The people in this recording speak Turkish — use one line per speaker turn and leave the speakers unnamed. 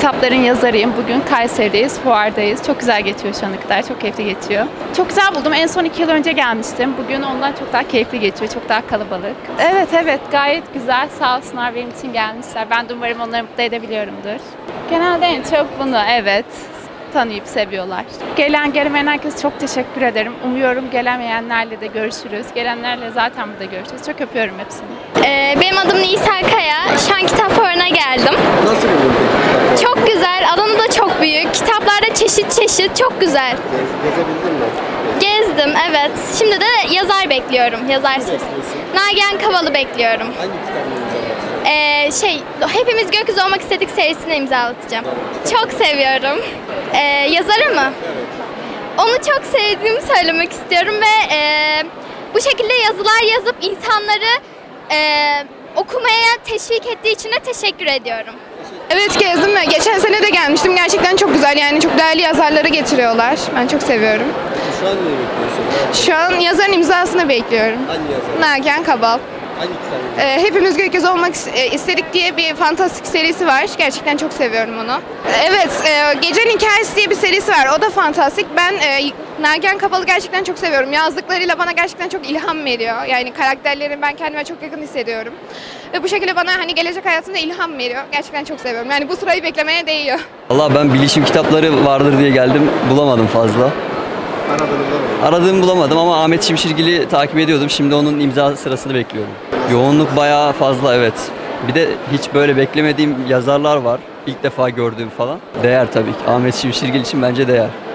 kitapların yazarıyım. Bugün Kayseri'deyiz, fuardayız. Çok güzel geçiyor şu ana kadar, çok keyifli geçiyor. Çok güzel buldum. En son 2 yıl önce gelmiştim. Bugün ondan çok daha keyifli geçiyor, çok daha kalabalık. Evet, gayet güzel. Sağ olsunlar benim için gelmişler. Ben de umarım onları mutlu edebiliyorumdur. Genelde en çok bunu, evet, tanıyıp seviyorlar. Gelmeyen herkese çok teşekkür ederim. Umuyorum gelemeyenlerle de görüşürüz. Gelenlerle zaten burada görüşürüz. Çok öpüyorum hepsini.
Benim adım Nisa Kaya. Şu an kitap fuarına geldim.
Nasıl buldun peki kitap?
Çok güzel. Alanı da çok büyük. Kitaplarda çeşit çok güzel.
Gezebildin mi?
Gezdim, evet. Şimdi de yazar bekliyorum. Yazar sesi.
Bekliyorsun.
Nagihan Kaval'ı bekliyorum.
Hangi kitabını imzalatacağım?
Hepimiz Gökyüzü Olmak İstedik serisini imzalatacağım. Çok seviyorum. Yazarı mı?
Evet.
Onu çok sevdiğimi söylemek istiyorum ve bu şekilde yazılar yazıp insanları okumaya teşvik ettiği için de teşekkür ediyorum.
Evet, gezdim ve geçen sene de gelmiştim. Gerçekten çok güzel, yani çok değerli yazarları getiriyorlar. Ben çok seviyorum.
Şu an neyi bekliyorsun?
Şu an yazarın imzasını bekliyorum.
Hangi yazar?
Nagihan Kabal.
Hangi kitabı?
Hepimiz Gökyüzü Olmak İstedik diye bir fantastik serisi var. Gerçekten çok seviyorum onu. Evet, Gecenin Hikayesi diye bir serisi var. O da fantastik. Ben Nagihan Kabal'ı gerçekten çok seviyorum. Yazdıklarıyla bana gerçekten çok ilham veriyor. Yani karakterlerin ben kendime çok yakın hissediyorum. Ve bu şekilde bana hani gelecek hayatımda ilham veriyor. Gerçekten çok seviyorum. Yani bu sırayı beklemeye değiyor.
Valla ben bilişim kitapları vardır diye geldim. Bulamadım fazla.
Aradığını bulamadım.
Aradığımı bulamadım ama Ahmet Şimşirgil'i takip ediyordum. Şimdi onun imza sırasını bekliyorum. Yoğunluk bayağı fazla, evet. Bir de hiç böyle beklemediğim yazarlar var. İlk defa gördüğüm falan. Değer tabii ki. Ahmet Şimşirgil için bence değer.